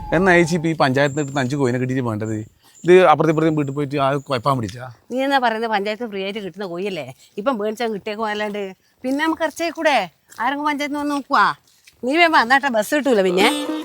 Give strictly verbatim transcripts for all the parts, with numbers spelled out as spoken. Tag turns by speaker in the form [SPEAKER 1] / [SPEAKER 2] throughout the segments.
[SPEAKER 1] എന്നാ ചേച്ചി ഇപ്പം ഈ പഞ്ചായത്തിന് കിട്ടുന്ന അഞ്ച് കോയിനെ കിട്ടിയിട്ട് വേണ്ടത്? ഇത് അപ്പുറത്തെ ഇപ്പുറത്തെ വീട്ടിൽ പോയിട്ട് ആ കുഴപ്പം പിടിച്ചാ?
[SPEAKER 2] നീ എന്നാ പറയുന്നത് പഞ്ചായത്ത് ഫ്രീ ആയിട്ട് കിട്ടുന്ന കോയല്ലേ? ഇപ്പം മേടിച്ചാൽ കിട്ടിയേക്കോ അല്ലാണ്ട് പിന്നെ നമുക്ക് ഇറച്ചേ കൂടെ ആരെങ്കിലും പഞ്ചായത്തിന് വന്ന് നോക്കുവാ. നീ വേമ്പോ അന്നാട്ടെ ബസ് കിട്ടൂല പിന്നെ.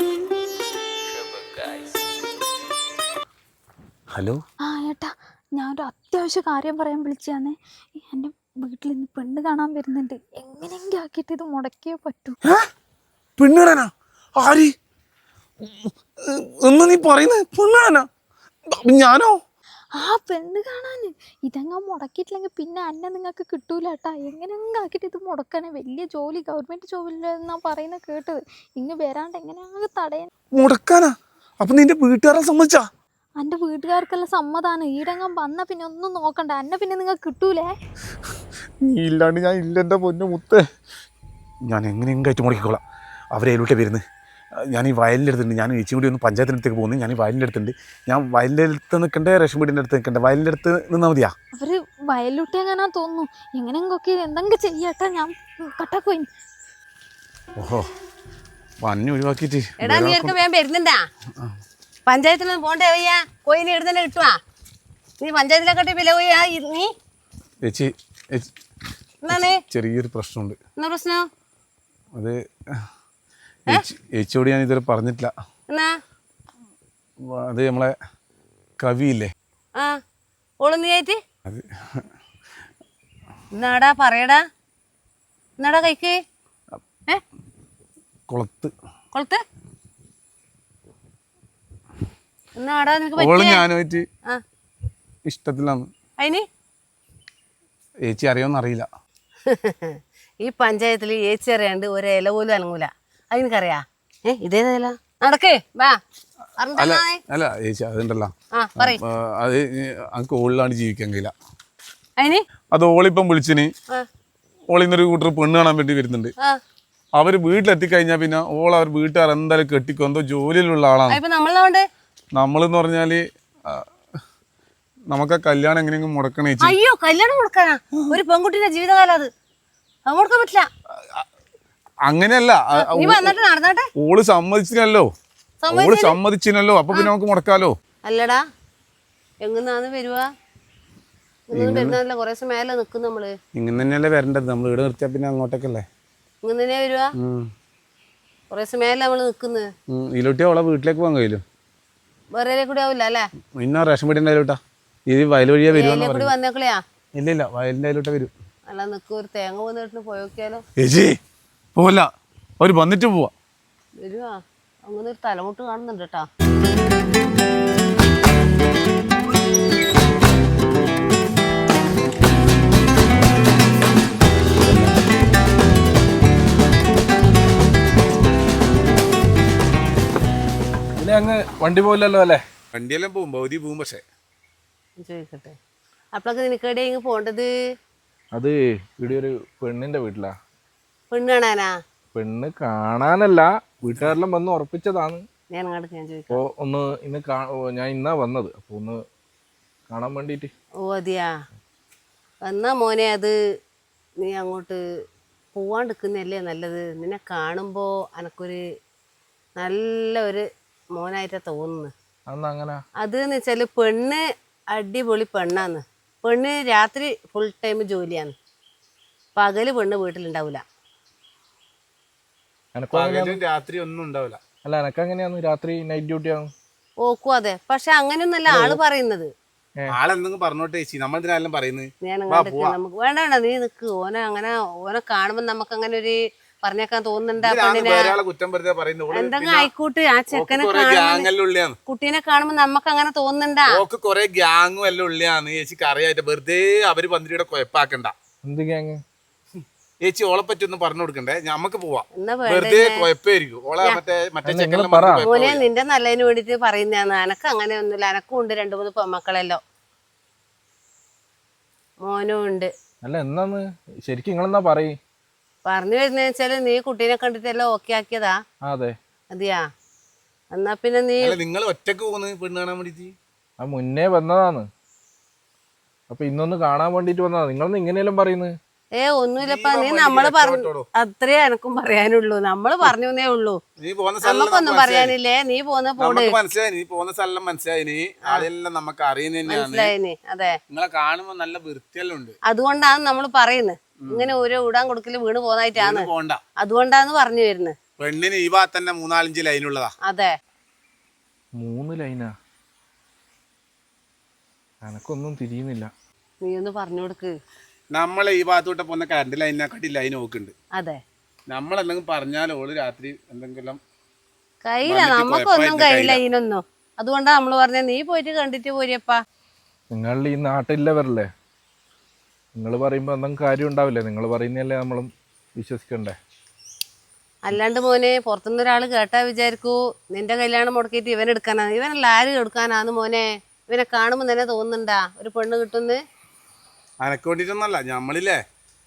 [SPEAKER 1] ഹലോ
[SPEAKER 3] ആ ഏട്ടാ, ഞാനൊരു അത്യാവശ്യ കാര്യം പറയാൻ വിളിച്ചാന്നേ. എൻ്റെ വീട്ടിൽ ഇന്ന് പെണ്ണ് കാണാൻ വരുന്നുണ്ട്. എങ്ങനെയെങ്കിലും ആക്കിയിട്ട് ഇത് മുടക്കിയേ പറ്റൂ.
[SPEAKER 1] പെണ്ണ് കാണാനാ? ആര്? ഒന്ന് നീ പറയുന്നത് പെണ്ണ് കാണാനാ? ഞാനോ?
[SPEAKER 3] ആ പെണ്ണ് കാണാന് ഇതെങ്ങാൻ മുടക്കിയിട്ടില്ലെങ്കിൽ പിന്നെ അന്നെ നിങ്ങൾക്ക് കിട്ടൂല ഏട്ടാ. എങ്ങനെയെങ്കിലും ആക്കിയിട്ട് ഇത് മുടക്കാനേ. വലിയ ജോലി, ഗവൺമെന്റ് ജോലിയിലെന്നാ പറയുന്നത് കേട്ടത്. ഇങ്ങ് വരാണ്ട് എങ്ങനെയാ തടയാൻ?
[SPEAKER 1] മുടക്കാനാ? അപ്പൊ നിന്റെ വീട്ടുകാരെ സമ്മതിച്ചാ?
[SPEAKER 3] എൻ്റെ വീട്ടുകാർക്കെല്ലാം സമ്മതാണ്. ഈടെങ്ങാൻ വന്ന പിന്നെ ഒന്നും നോക്കണ്ട. എന്നെ പിന്നെ നിങ്ങൾക്ക് കിട്ടൂലേ?
[SPEAKER 1] നീ ഇല്ലാണ്ട് ഞാൻ ഇല്ല എൻ്റെ പൊന്നു മുത്തേ. ഞാൻ എങ്ങനെയെങ്കിലും കയറ്റി മുടക്കിക്കോളാം. അവരേലോട്ടേ വരുന്നത്. ഞാൻ ഈ വയലിൻ്റെ അടുത്തുണ്ട്. ഞാൻ ചേച്ചി കൂടി ഒന്ന് പഞ്ചായത്തിൻ്റെ അടുത്തേക്ക് പോകുന്നു. ഞാൻ ഈ വയലിൻ്റെ അടുത്തുണ്ട്. ഞാൻ വയലിൻ്റെ അടുത്ത് നിൽക്കണ്ടേ റേഷൻ വീടിൻ്റെ അടുത്ത് നിൽക്കണ്ടേ? വയലിൻ്റെ അടുത്ത് നിന്നാൽ മതിയാ?
[SPEAKER 3] അവര് വയലൂട്ടി എങ്ങനാ തോന്നുന്നു. എങ്ങനെയൊക്കെ എന്തെങ്കിലും ചെയ്യട്ടെ. ഞാൻ കട്ടാക്കോയി.
[SPEAKER 1] ഓഹോ, പന്നി ഒഴിവാക്കിയിട്ട്
[SPEAKER 2] എടാ നീ ഒക്കെ വേഗം വരുന്നുണ്ടാ? പഞ്ചായത്തിലൊന്നും പോണ്ടേ വയ്യാ? കോയിനെ എടുത്തന്നെ കിട്ടുവാ? നീ പഞ്ചായത്തിലെക്കട്ടെ വില പോയാ നീ?
[SPEAKER 1] ചേച്ചി
[SPEAKER 2] എന്താണ്
[SPEAKER 1] ചെറിയൊരു പ്രശ്നമുണ്ട്.
[SPEAKER 2] എന്നാ പ്രശ്നം?
[SPEAKER 1] അത് ചേച്ചിയോട് ഞാൻ ഇതുവരെ പറഞ്ഞിട്ടില്ല.
[SPEAKER 2] എന്നാ?
[SPEAKER 1] അത് നമ്മളെ കവിയില്ലേ?
[SPEAKER 2] ആ ഓള് നീ ആയിട്ട്
[SPEAKER 1] അത്
[SPEAKER 2] എന്നാടാ പറയടാ. എന്നാടാ കൈക്ക്? ഏ
[SPEAKER 1] കുളത്ത്
[SPEAKER 2] കൊളത്ത് എന്നാടാ നിനക്ക്
[SPEAKER 1] ഓള്
[SPEAKER 2] പറ്റിയേ?
[SPEAKER 1] ഞാനുമായിട്ട്
[SPEAKER 2] ആ
[SPEAKER 1] ഇഷ്ടത്തിലാണ്.
[SPEAKER 2] അതിന്
[SPEAKER 1] ചേച്ചി അറിയോന്ന് അറിയില്ല.
[SPEAKER 2] ഈ പഞ്ചായത്തിൽ ഏച്ചി അറിയാണ്ട് ഒരു ഇല പോലും അനങ്ങൂല. അതിനറിയാ? ഏ ഇതേതല്ല നടക്കേ വാ.
[SPEAKER 1] അല്ല അല്ല ചേച്ചി അതുണ്ടല്ലോ, അത് എനിക്ക് ഓളിലാണ് ജീവിക്കാൻ കഴിയില്ല.
[SPEAKER 2] അതിന്
[SPEAKER 1] അത് ഓളിപ്പം വിളിച്ചിന്. ഓളിന്നൊരു കൂട്ടർ പെണ്ണ് കാണാൻ വേണ്ടി വരുന്നുണ്ട്. അവര് വീട്ടിലെത്തിക്കഴിഞ്ഞാൽ പിന്നെ ഓൾ അവർ വീട്ടുകാർ എന്തായാലും കെട്ടിക്കോ. എന്തോ ജോലിയിലുള്ള ആളാണ്. നമ്മളെന്ന് പറഞ്ഞാല് നമുക്ക് ആ കല്യാണം എങ്ങനെയെങ്കിലും മുടക്കണേ.
[SPEAKER 2] അയ്യോ കല്യാണം മുടക്കാനാ? ഒരു പെൺകുട്ടിന്റെ ജീവിതകാലം അത് മുടക്കാൻ പറ്റില്ല.
[SPEAKER 1] അങ്ങനെയല്ല, ഓള് സമ്മതിച്ചിനല്ലോ. ഓള് സമ്മതിച്ചിനല്ലോ, അപ്പൊ പിന്നെ നമുക്ക് മുടക്കാലോ.
[SPEAKER 2] അല്ലടാ എങ്ങനാന്ന് വരുവാ? വരുന്നല്ല കൊറേ ദിവസം മേലെ നിക്കും നമ്മള്.
[SPEAKER 1] ഇങ്ങനെ തന്നെയല്ലേ വരേണ്ടത്. നമ്മൾ ഇവിടെ നിർത്തിയാ പിന്നെ അങ്ങോട്ടേക്കല്ലേ.
[SPEAKER 2] ഇങ്ങനെ തന്നെയാ വരുവാ? കൊറേ ദിവസം മേലെ നമ്മള് നിക്കുന്നത്.
[SPEAKER 1] ഇതിലോട്ടിയാ ഓളെ വീട്ടിലേക്ക് പോകാൻ കഴിയില്ലോ.
[SPEAKER 2] വേറെ കൂടി ആവില്ല അല്ലേ?
[SPEAKER 1] ഇന്ന റേഷൻ വീടിന്റെ അതിലോട്ടാ. ഇത് വയൽ വഴിയാ വരുവാ?
[SPEAKER 2] കൂടി വന്നേക്കളയാ?
[SPEAKER 1] ഇല്ല ഇല്ല, വയലിന്റെ അതിലോട്ടാ വരും.
[SPEAKER 2] അല്ല നിക്ക് ഒരു തേങ്ങ പോന്നിട്ട് പോയോക്കിയാലോ?
[SPEAKER 1] ചേച്ചി പോവല്ല, അവര് വന്നിട്ട് പോവാ.
[SPEAKER 2] വരുവാ? അങ്ങനെ ഒരു തലമുട്ട് കാണുന്നുണ്ട് കേട്ടാ.
[SPEAKER 4] അങ്ങ് വണ്ടി പോലല്ലോ അല്ലേ?
[SPEAKER 1] വണ്ടിയെല്ലാം പോവും, ഭൗതി പോവും. പക്ഷേ
[SPEAKER 2] ചോദിക്കട്ടെ, അപ്പളൊക്കെ നിനക്കേടെ ഇങ്ങ് പോണ്ടത്?
[SPEAKER 4] അത് ഇവിടെ ഒരു പെണ്ണിന്റെ വീട്ടിലാ.
[SPEAKER 2] പെണ്ണ് കാണാനാ?
[SPEAKER 4] പെണ്ണ് കാണാനല്ല, വീട്ടുകാരെല്ലാം വന്ന് ഉറപ്പിച്ചതാണ്.
[SPEAKER 2] ഞാൻ അങ്ങോട്ട് ഞാൻ ചോദിക്കാം.
[SPEAKER 4] അപ്പോ ഒന്ന് ഇന്ന് ഞാൻ ഇന്നാ വന്നത്, അപ്പൊ ഒന്ന് കാണാൻ വേണ്ടിട്ട്.
[SPEAKER 2] ഓ അതെയാ? എന്നാ മോനെ അത് നീ അങ്ങോട്ട് പോവാണ്ടിരിക്കുന്നതല്ലേ നല്ലത്. നിന്നെ കാണുമ്പോ എനക്കൊരു നല്ല ഒരു മോനായിട്ടാ തോന്നുന്നു.
[SPEAKER 4] അങ്ങനെ
[SPEAKER 2] അത് എന്ന് വെച്ചാല് പെണ്ണ് അടിപൊളി പെണ്ണാന്ന്. പെണ്ണ് രാത്രി ഫുൾ ടൈം ജോലിയാണ്, പകല് പെണ്ണ് വീട്ടിലുണ്ടാവില്ല.
[SPEAKER 1] രാത്രി ഒന്നും ഉണ്ടാവില്ല.
[SPEAKER 4] അല്ല എനക്ക് അങ്ങനെയാന്ന്, രാത്രി നൈറ്റ് ഡ്യൂട്ടി ആണ്.
[SPEAKER 2] ഓക്കു അതെ, പക്ഷെ അങ്ങനെയൊന്നല്ല ആള് പറയുന്നത്.
[SPEAKER 1] ആളെന്തെങ്കിലും പറഞ്ഞോട്ടെ ചേച്ചി, നമ്മളെല്ലാം പറയുന്നത്.
[SPEAKER 2] ഞാൻ നമുക്ക് വേണ്ട വേണ്ട നീ നിക്ക്. ഓനെ അങ്ങനെ ഓനെ കാണുമ്പോ നമുക്ക് അങ്ങനെ ഒരു പറഞ്ഞേക്കാൻ തോന്നുന്നുണ്ട്. എന്തെങ്കിലും ആയിക്കോട്ടെ, ആ ചെക്കനെ കാണുമ്പോ കുട്ടീനെ കാണുമ്പോ നമുക്ക് അങ്ങനെ തോന്നുന്നുണ്ടാ?
[SPEAKER 1] കൊറേ ഗ്യാങ്ങും എല്ലാം ഉള്ളിയാന്ന് ചേച്ചിക്ക് അറിയായിട്ട്. വെറുതെ അവര് പന്തിരിയുടെ കുഴപ്പാക്കണ്ട.
[SPEAKER 4] എന്ത് ഗ്യാങ്?
[SPEAKER 1] ചേച്ചി ഓളെ പറ്റി ഒന്നും പറഞ്ഞു കൊടുക്കണ്ടേ, ഞമ്മക്ക് പോവാം. വെറുതെ കുഴപ്പമായിരിക്കും. ഓളെ മറ്റേ മറ്റേ
[SPEAKER 2] മോനെ നിന്റെ നല്ലതിന് വേണ്ടിട്ട് പറയുന്നതാണ്. എനക്ക് അങ്ങനെ ഒന്നുമില്ല. എനക്കും ഉണ്ട് രണ്ടു മൂന്ന് പെമ്മക്കളല്ലോ, മോനും ഉണ്ട്.
[SPEAKER 4] അല്ല എന്നാന്ന് ശരിക്കും നിങ്ങളെന്നാ പറയ്?
[SPEAKER 2] പറഞ്ഞു വരുന്ന വെച്ചാല് നീ കുട്ടീനെ കണ്ടിട്ടെല്ലാം ഓക്കെ ആക്കിയതാ?
[SPEAKER 4] അതെ.
[SPEAKER 2] അതെയാ? എന്നാ പിന്നെ നീ
[SPEAKER 1] നിങ്ങൾ ഒറ്റക്ക് പോകുന്നത് പെണ്ണ് കാണാൻ വേണ്ടിട്ട്?
[SPEAKER 4] ആ മുന്നേ വന്നതാണ്, അപ്പൊ ഇന്നൊന്ന് കാണാൻ വേണ്ടിട്ട് വന്നതാ. നിങ്ങളൊന്ന് ഇങ്ങനെയെല്ലാം പറയുന്നത്?
[SPEAKER 2] ഏ ഒന്നുമില്ലപ്പാ നീ നമ്മള് പറഞ്ഞു അത്രേ എനക്കും പറയാനുള്ളൂ. നമ്മള് പറഞ്ഞേ ഉള്ളൂ, നമുക്കൊന്നും പറയാനില്ലേ. നീ പോന്ന പോട്
[SPEAKER 1] മനസ്സിലായി, നീ പോകുന്ന സ്ഥലം മനസ്സിലായി, നീ ആളെല്ലാം നമുക്ക് അറിയുന്ന
[SPEAKER 2] മനസ്സിലായിന്. അതെ,
[SPEAKER 1] നിങ്ങളെ കാണുമ്പോ നല്ല വൃത്തിയെല്ലാം ഉണ്ട്.
[SPEAKER 2] അതുകൊണ്ടാണ് നമ്മൾ പറയുന്നത്. ഇങ്ങനെ ഓരോ ഇടാൻ കൊടുക്കല് വീണ് പോന്നായിട്ടാണ്, അതുകൊണ്ടാന്ന് പറഞ്ഞു വരുന്നത്.
[SPEAKER 1] പെണ്ണിന് ഈ ഭാഗത്ത് തന്നെ മൂന്നാലഞ്ച് ലൈനുള്ളതാ.
[SPEAKER 2] അതെ,
[SPEAKER 4] മൂന്ന് ലൈനാ, എനക്കൊന്നും തിരിയുന്നില്ല.
[SPEAKER 2] നീ ഒന്ന് പറഞ്ഞു കൊടുക്ക്.
[SPEAKER 1] നമ്മളെ ഈ ഭാഗത്തോട്ട് പോകുന്ന കറണ്ട് ലൈനിനെക്കാട്ടി ലൈൻ നോക്കുന്നുണ്ട്.
[SPEAKER 2] അതെ,
[SPEAKER 1] നമ്മളെന്തെങ്കിലും പറഞ്ഞാൽ ഓള് രാത്രി എന്തെങ്കിലും
[SPEAKER 2] കയ്യില, നമുക്കൊന്നും കയ്യില ഇതിനൊന്നും. അതുകൊണ്ടാ നമ്മള് പറഞ്ഞ നീ പോയിട്ട് കണ്ടിട്ട് പോരിയപ്പാ.
[SPEAKER 4] നിങ്ങൾ ഈ നാട്ടിലവരല്ലേ, നിങ്ങൾ പറയുമ്പോ എന്തെങ്കിലും കാര്യം ഉണ്ടാവില്ലേ? നിങ്ങൾ പറയുന്നതല്ലേ നമ്മളും വിശ്വസിക്കണ്ടേ?
[SPEAKER 2] അല്ലാണ്ട് മോനെ പുറത്തുനിന്ന് ഒരാള് കേട്ടാ വിചാരിക്കൂ നിന്റെ കല്യാണം മുടക്കിയിട്ട് ഇവൻ എടുക്കാനാ. ഇവനല്ല ആര് എടുക്കാനാന്ന് മോനെ? ഇവനെ കാണുമ്പോ തന്നെ തോന്നുന്നുണ്ടാ ഒരു പെണ്ണ് കിട്ടുന്ന്?
[SPEAKER 1] അനക്ക് വേണ്ടിട്ടൊന്നല്ല, ഞമ്മളില്ലേ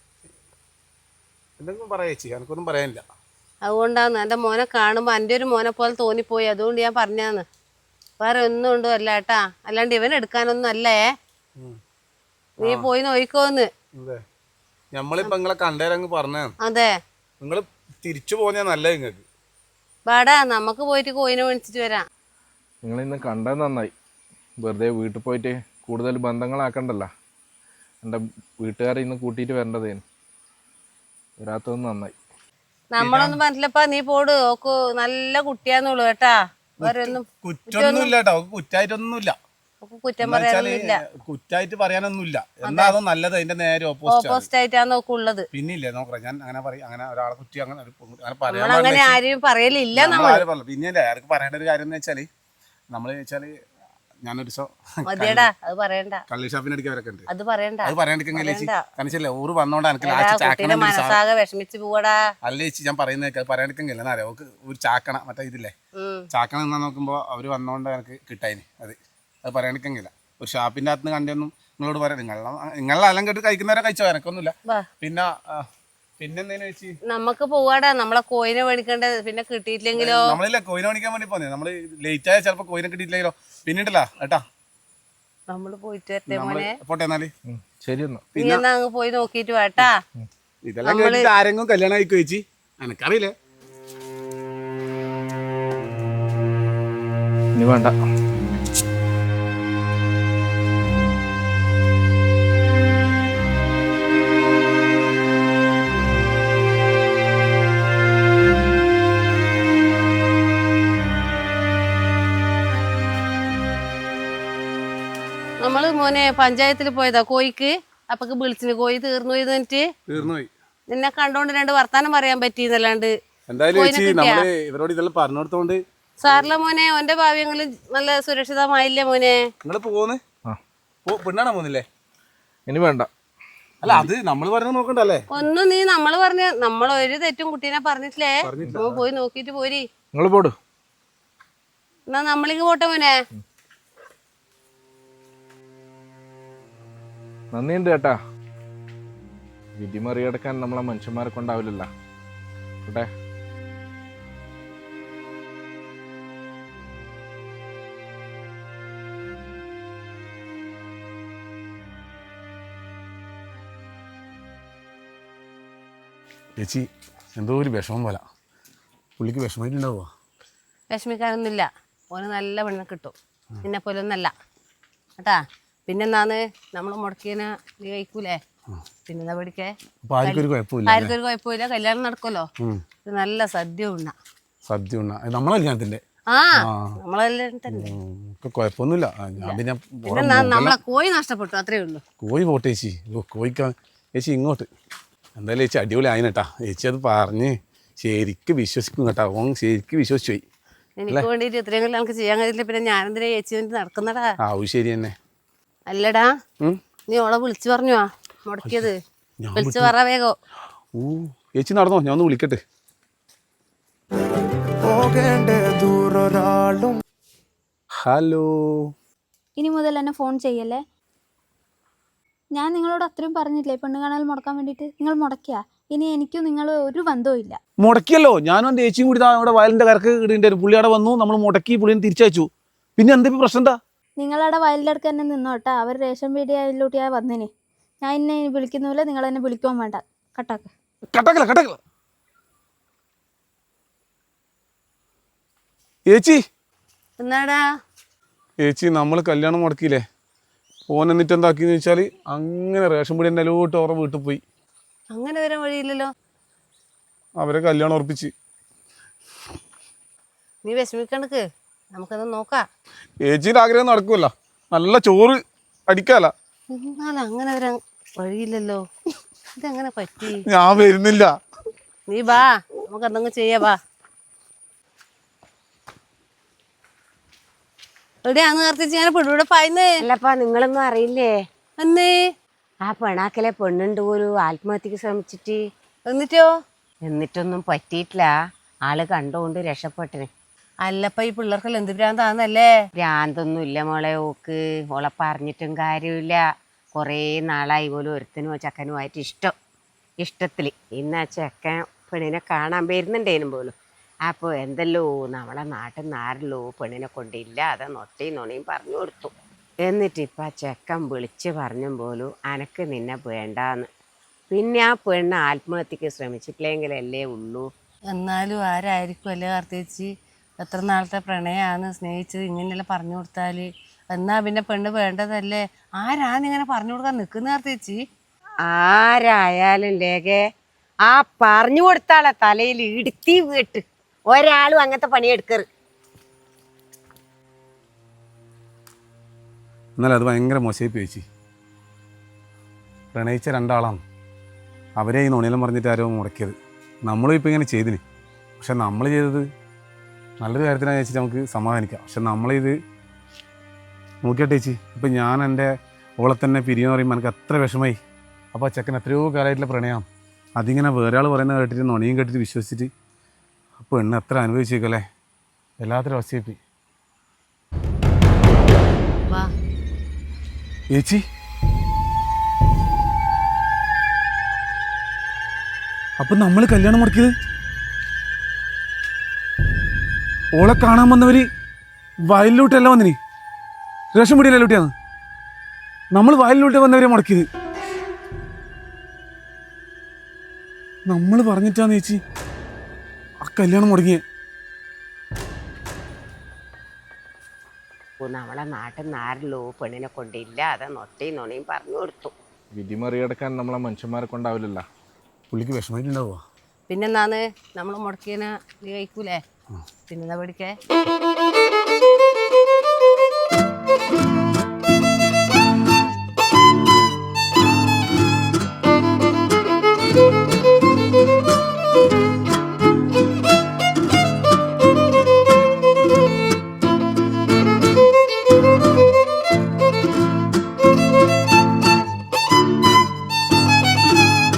[SPEAKER 1] എന്തെങ്കിലും പറയേച്ചി, എനക്കൊന്നും പറയാനില്ല.
[SPEAKER 2] അതുകൊണ്ടാന്ന് എന്റെ മോനെ കാണുമ്പോ എന്റെ ഒരു മോനെ പോലെ തോന്നിപ്പോയി, അതുകൊണ്ട് ഞാൻ പറഞ്ഞാന്ന്. വേറെ ഒന്നും ഉണ്ടോ അല്ല ഏട്ടാ, അല്ലാണ്ട് ഇവൻ എടുക്കാനൊന്നും അല്ലേ. നീ പോയി നോയിക്കോന്ന്.
[SPEAKER 1] ഞമ്മളിപ്പോ നിങ്ങളെ കണ്ടേരങ്ങ് പറഞ്ഞ.
[SPEAKER 2] അതെ,
[SPEAKER 1] നിങ്ങള് തിരിച്ചു പോന്നാ നല്ലത് നിങ്ങക്ക്.
[SPEAKER 2] വാടാ നമുക്ക് പോയിട്ട് കോയിനെ മേടിച്ചിട്ട് വരാം.
[SPEAKER 4] നിങ്ങൾ ഇന്ന് കണ്ടത് നന്നായി. വെറുതെ വീട്ടിൽ പോയിട്ട് കൂടുതൽ ബന്ധങ്ങളാക്കണ്ടല്ലോ. എൻ്റെ വീട്ടുകാരെ ഇന്ന് കൂട്ടിയിട്ട് വരേണ്ടതേനു. വരാത്തത് നന്നായി.
[SPEAKER 2] നമ്മളൊന്നും പറഞ്ഞില്ലപ്പാ, നീ പോട്. ഓക്ക് നല്ല കുട്ടിയാന്നുള്ളു കേട്ടാ. വേറെ ഒന്നും
[SPEAKER 1] കുറ്റൊന്നുമില്ല കേട്ടോ, കുറ്റായിട്ടൊന്നുമില്ല.
[SPEAKER 2] കുറ്റം പറയാനൊന്നുമില്ല,
[SPEAKER 1] കുറ്റായിട്ട് പറയാനൊന്നുമില്ല. എന്നാ അതോ നല്ലത്, അതിന്റെ നേരെ
[SPEAKER 2] ഓപ്പോസിറ്റ് ആയിട്ടാണ് നോക്കുള്ളത്.
[SPEAKER 1] പിന്നില്ലേ നോക്കാം, ഞാൻ അങ്ങനെ പറയും, അങ്ങനെ ഒരാളെ കുറ്റി അങ്ങനെ
[SPEAKER 2] അങ്ങനെ ആരെയും പറയലില്ല നമ്മൾ.
[SPEAKER 1] പിന്നെ ആർക്ക് പറയേണ്ട ഒരു കാര്യം എന്ന് വെച്ചാല് നമ്മള് വെച്ചാല് ഞാനൊരു
[SPEAKER 2] മതിയടാ, അത് പറയണ്ട.
[SPEAKER 1] കള്ളി ഷാപ്പിനടിക്കാൻ വരൊക്കെ ഉണ്ട്,
[SPEAKER 2] അത് പറയണ്ട.
[SPEAKER 1] അത് പറയാണ്ടിരിക്കല്ലേ ചേച്ചി? കാരണം ഊറ് വന്നോണ്ട് എനിക്ക്
[SPEAKER 2] മനസ്സാകെ വിഷമിച്ച് പോവാടാ.
[SPEAKER 1] അല്ല ചേച്ചി, ഞാൻ പറയുന്നത് അത് പറയാണ്ടിരിക്കെങ്കില്ല. എന്നാ അറിയാം, ഒരു ചാക്കണ മറ്റേ ഇതില്ലേ ചാക്കണ എന്നാ നോക്കുമ്പോ അവര് വന്നോണ്ട് എനിക്ക് കിട്ടായിന്. അത് അത് പറയാണ്ടിരിക്കെങ്കില്ല. ഒരു ഷാപ്പിന്റെ അകത്ത് കണ്ടൊന്നും നിങ്ങളോട് പറയാം. നിങ്ങളെ നിങ്ങളെ അലം കേട്ട് കഴിക്കുന്നവരെ കഴിച്ചോ, എനക്കൊന്നുമില്ല. പിന്നെ പിന്നെന്തേലും ചേച്ചി
[SPEAKER 2] നമുക്ക് പോവാടാ, നമ്മളെ കോയിനെ മേടിക്കേണ്ടത്. പിന്നെ കിട്ടിയിട്ടില്ലെങ്കിലോ?
[SPEAKER 1] നമ്മളില്ല കോയിനെ മേടിക്കാൻ വേണ്ടി പോന്നെ, നമ്മള് ലേറ്റ് ആയ ചിലപ്പോ കോയിനെ കിട്ടിയിട്ടില്ലെങ്കിലോ. പിന്നിട്ടല്ല ഏട്ടാ,
[SPEAKER 2] നമ്മള് പോയിട്ട് വരട്ടെ മോനെ.
[SPEAKER 1] പോട്ടെ എന്നാല്.
[SPEAKER 4] ശരി എന്നാ,
[SPEAKER 2] നീ എന്നാ അങ്ങ് പോയി നോക്കിട്ട് വേട്ടാ.
[SPEAKER 1] ഇതെല്ലാം കേട്ടിട്ട് ആരെങ്കിലും കല്യാണം ആയിക്കോ ചേച്ചി? എനക്കറിയില്ലേ.
[SPEAKER 4] ഇനി വേണ്ട.
[SPEAKER 2] നമ്മള് മോനെ പഞ്ചായത്തിൽ പോയതാ കോയിക്ക്. അപ്പൊക്ക് വിളിച്ചിന്, കോയി തീർന്നു പോയി എന്നിട്ട്
[SPEAKER 1] തീർന്നുപോയി.
[SPEAKER 2] നിന്നെ കണ്ടോണ്ട് രണ്ട് വർത്താനം പറയാൻ പറ്റിയെന്നല്ലാണ്ട്.
[SPEAKER 1] എന്തായാലും ചേച്ചി നമ്മള് ഇവരോട് ഇതെല്ലാം പറഞ്ഞു കൊടുത്തോണ്ട്
[SPEAKER 2] സാറില്ല മോനെ, ഓന്റെ ഭാവ്യങ്ങള് നല്ല സുരക്ഷിതമായില്ലേ മോനെ?
[SPEAKER 1] നിങ്ങള് പോന്ന് പെണ്ണാണോ പോന്നില്ലേ?
[SPEAKER 4] ഇനി വേണ്ട.
[SPEAKER 1] അല്ല അത് നമ്മള് പറഞ്ഞ നോക്കണ്ടല്ലേ.
[SPEAKER 2] ഒന്നും നീ നമ്മള് പറഞ്ഞ നമ്മൾ ഒരു തെറ്റും കുട്ടീനെ പറഞ്ഞിട്ടില്ലേ? പോയി നോക്കിട്ട് പോരി.
[SPEAKER 4] നിങ്ങൾ പോടു.
[SPEAKER 2] എന്നാ നമ്മളിങ്ങ് പോട്ടെ മോനെ.
[SPEAKER 4] നന്ദിയുണ്ട് ചേട്ടാ. വിധി മറികടക്കാൻ നമ്മളെ മനുഷ്യന്മാരെ കൊണ്ടാവില്ലല്ലോ. കേട്ടെ.
[SPEAKER 1] ചേച്ചി എന്തോ ഒരു വിഷമം പോലെ. പുള്ളിക്ക് വിഷമമായിട്ടുണ്ടാവുക?
[SPEAKER 2] വിഷമിക്കാനൊന്നുമില്ല, ഓന് നല്ല പെണ്ണെ കിട്ടും. നിന്നെ പോലെ ഒന്നല്ല കേട്ടാ. പിന്നെന്താന്ന് നമ്മൾ മുടക്കിയതിനെ നീ കഴിക്കൂലേ? പിന്നെന്താ പഠിക്കേ? ആർക്കും ഒരു കുഴപ്പമില്ല, കല്യാണം നടക്കുമല്ലോ. നല്ല സദ്യ ഉണ്ണ.
[SPEAKER 1] സദ്യ ഉണ്ണ നമ്മളെ കല്യാണത്തിന്റെ?
[SPEAKER 2] ആ നമ്മളെ തന്നെ.
[SPEAKER 1] കുഴപ്പമൊന്നുമില്ല.
[SPEAKER 2] പിന്നെ നമ്മളെ കോഴി നഷ്ടപ്പെട്ടു, അത്രേ ഉള്ളൂ.
[SPEAKER 1] കോഴി പോട്ടെ ചേച്ചി. കോഴിക്കാ ചേച്ചി ഇങ്ങോട്ട്. എന്തായാലും ചേച്ചി അടിപൊളി ആയിട്ടാ. ചേച്ചി അത് പറഞ്ഞ് ശരിക്കും വിശ്വസിക്കും കേട്ടാ. ഓൻ ശരിക്കും വിശ്വസിച്ചു പോയി.
[SPEAKER 2] എനിക്ക് വേണ്ടിട്ട് ഇത്രയും കൊല്ലം നമുക്ക് ചെയ്യാൻ കഴിയില്ല. പിന്നെ ഞാനെന്തിനാ ചേച്ചി വേണ്ടി നടക്കുന്നടാ?
[SPEAKER 1] ആ ശരി തന്നെ.
[SPEAKER 2] അല്ലടാ, നീ ഓളെ വിളിച്ചു പറഞ്ഞോ മുടക്കിയത്? വിളിച്ചു പറ വേഗോ.
[SPEAKER 1] ഓ ചേച്ചി നടന്നോ, ഞാൻ ഒന്ന് വിളിക്കട്ടെ. ഹലോ.
[SPEAKER 3] ഇനി മുതൽ എന്നെ ഫോൺ ചെയ്യല്ലേ. ഞാൻ നിങ്ങളോട് അത്രയും പറഞ്ഞില്ലേ പെണ്ണ് കാണാൻ മുടക്കാൻ വേണ്ടിയിട്ട്? നിങ്ങൾ മുടക്കിയാ? ഇനി എനിക്കും നിങ്ങൾ ഒരു ബന്ധവും ഇല്ല.
[SPEAKER 1] മുടക്കിയല്ലോ, ഞാനും എൻ്റെ ചേച്ചിയും കൂടി ഇവിടെ വയലിൻ്റെ കരക്ക് ഇടേണ്ടി. പുള്ളി അവിടെ വന്നു, നമ്മൾ മുടക്കി, പുള്ളിനെ തിരിച്ചയച്ചു. പിന്നെ എന്താ പ്രശ്നം? എന്താ
[SPEAKER 3] നിങ്ങളവിടെ വയലിൻ്റെ അടുക്ക് തന്നെ നിന്നോട്ടാ. അവർ റേഷൻ പീടികയിലൂട്ടിയാ വന്നിന്. ഞാൻ എന്നെ വിളിക്കുന്നില്ല, നിങ്ങൾ എന്നെ വിളിക്കുവാൻ വേണ്ട. കട്ടാക്ക്.
[SPEAKER 1] കട്ടാക്കല കട്ടാക്കല ഏച്ചി.
[SPEAKER 2] എന്നാടാ
[SPEAKER 1] ഏച്ചി നമ്മൾ കല്യാണം മുടക്കിയില്ലേ, ഓൻ എന്നിട്ട് എന്താക്കിന്ന് വെച്ചാൽ അങ്ങനെ റേഷൻ പൊടി എൻ്റെ അലോട്ട് ഓറ വീട്ടിൽ പോയി.
[SPEAKER 2] അങ്ങനെ വരാൻ വഴിയില്ലല്ലോ.
[SPEAKER 1] അവരെ കല്യാണം ഉറപ്പിച്ച്.
[SPEAKER 2] നീ വിഷമിക്കണ്ടക്ക്, നമുക്കത് നോക്കാം.
[SPEAKER 1] ഏച്ചിയുടെ ആഗ്രഹം നടക്കുമല്ല, നല്ല ചോറ് അടിക്കാല.
[SPEAKER 2] എന്നാലും അങ്ങനെ വരാൻ വഴിയില്ലല്ലോ. ഇതെങ്ങനെ പറ്റി?
[SPEAKER 1] ഞാൻ വരുന്നില്ല.
[SPEAKER 2] നീ ബാ, നമുക്ക് എന്തെങ്കിലും ചെയ്യാ. ബാ, എവിടെയാന്ന് നേരത്തെ ഞാൻ പെടൂടെ പായുന്നേ.
[SPEAKER 5] അല്ലപ്പാ, നിങ്ങളൊന്നും അറിയില്ലേ?
[SPEAKER 2] എന്നേ
[SPEAKER 5] ആ പെണാക്കലെ പെണ്ണുണ്ട് ഒരു ആത്മഹത്യക്ക് ശ്രമിച്ചിട്ട്.
[SPEAKER 2] എന്നിട്ടോ?
[SPEAKER 5] എന്നിട്ടൊന്നും പറ്റിയിട്ടില്ല. ആള് കണ്ടുകൊണ്ട് രക്ഷപ്പെട്ടിന്.
[SPEAKER 2] അല്ലപ്പ ഈ പിള്ളേർക്കെല്ലാം എന്ത് ഭ്രാന്താന്നല്ലേ?
[SPEAKER 5] ഭ്രാന്തൊന്നും ഇല്ല മോളെ. ഓക്ക് ഓളെ പറഞ്ഞിട്ടും കാര്യമില്ല. കുറേ നാളായി പോലും ഒരുത്തനും ചക്കനുമായിട്ട് ഇഷ്ടം ഇഷ്ടത്തിൽ. ഇന്ന് ആ ചെക്കൻ പെണ്ണിനെ കാണാൻ വരുന്നുണ്ടേനും പോലും. അപ്പോൾ എന്തല്ലോ നമ്മളെ നാട്ടിൽ നിന്ന് ആരല്ലോ പെണ്ണിനെ കൊണ്ടില്ല, അത് നൊട്ടയും നുണയും പറഞ്ഞു കൊടുത്തു. എന്നിട്ട് ഇപ്പം ആ ചെക്കൻ വിളിച്ച് പറഞ്ഞും പോലും അനക്ക് നിന്നെ വേണ്ടാന്ന്. പിന്നെ ആ പെണ്ണ് ആത്മഹത്യക്ക് ശ്രമിച്ചിട്ടില്ലെങ്കിലല്ലേ ഉള്ളൂ.
[SPEAKER 2] എന്നാലും ആരായിരിക്കും അല്ലേ കാർത്തേച്ചി? എത്ര നാളത്തെ പ്രണയമാണ്, സ്നേഹിച്ചത്, ഇങ്ങനെയെല്ലാം പറഞ്ഞു കൊടുത്താൽ എന്നാ പിന്നെ പെണ്ണ് വേണ്ടതല്ലേ? ആരാന്നിങ്ങനെ പറഞ്ഞു കൊടുക്കാൻ നിൽക്കുന്ന കാർത്തേച്ചി?
[SPEAKER 5] ആരായാലും ലേഖേ ആ പറഞ്ഞു കൊടുത്താളെ തലയിൽ ഇടുത്തി വീട്ട് ഒരാളും അങ്ങനത്തെ പണിയെടുക്കറ്.
[SPEAKER 1] എന്നാലും അത് ഭയങ്കര മോശമായി ചേച്ചി. പ്രണയിച്ച രണ്ടാളാണ്, അവരെ ഈ നുണയിലും പറഞ്ഞിട്ട് ആരോ മുടക്കിയത്. നമ്മളും ഇപ്പം ഇങ്ങനെ ചെയ്തിന്, പക്ഷെ നമ്മൾ ചെയ്തത് നല്ലൊരു കാര്യത്തിനാണ് ചേച്ചി, നമുക്ക് സമാധാനിക്കാം. പക്ഷെ നമ്മളിത് നോക്കിയാട്ടെ ചേച്ചി, ഇപ്പം ഞാൻ എൻ്റെ ഓളെ തന്നെ പിരിയെന്ന് പറയുമ്പോൾ എനിക്ക് അത്ര വിഷമായി. അപ്പോൾ ആ ചെക്കൻ എത്രയോ കാലമായിട്ടുള്ള പ്രണയം, അതിങ്ങനെ വേറെ ആൾ പറയുന്നത് കേട്ടിട്ട് നുണയും കേട്ടിട്ട് വിശ്വസിച്ചിട്ട് അപ്പോൾ എണ്ണ എത്ര അനുഭവിച്ചേക്കല്ലേ. എല്ലാത്തിനും അവസ്ഥയായി
[SPEAKER 2] വാ
[SPEAKER 1] ചേച്ചി. അപ്പം നമ്മൾ കല്യാണം മുടക്കിയത് ഓളെ കാണാൻ വന്നവർ വയലിലോട്ടല്ല വന്നിനി, റേഷൻ പൊടിയല്ലോട്ടിയാണ് നമ്മൾ വയലിലോട്ട് വന്നവരെ മുടക്കിയത്. നമ്മൾ പറഞ്ഞിട്ടാന്ന് ചേച്ചി ആ കല്യാണം മുടങ്ങിയേ.
[SPEAKER 5] നമ്മളെ നാട്ടിൽ നിന്ന് ആരല്ലോ പെണ്ണിനെ കൊണ്ടില്ല, അത് നൊട്ടയും നുണയും പറഞ്ഞു കൊടുത്തു.
[SPEAKER 4] വിധി മറികടക്കാൻ നമ്മളെ മനുഷ്യന്മാരെ കൊണ്ടാവില്ലല്ലോ.
[SPEAKER 1] പുള്ളിക്ക് വിഷമമായിട്ടുണ്ടാവുക.
[SPEAKER 2] പിന്നെന്നാന്ന് നമ്മൾ മുടക്കിയതിനെ നീ കഴിക്കൂലേ? പിന്നെന്താ പഠിക്കേ?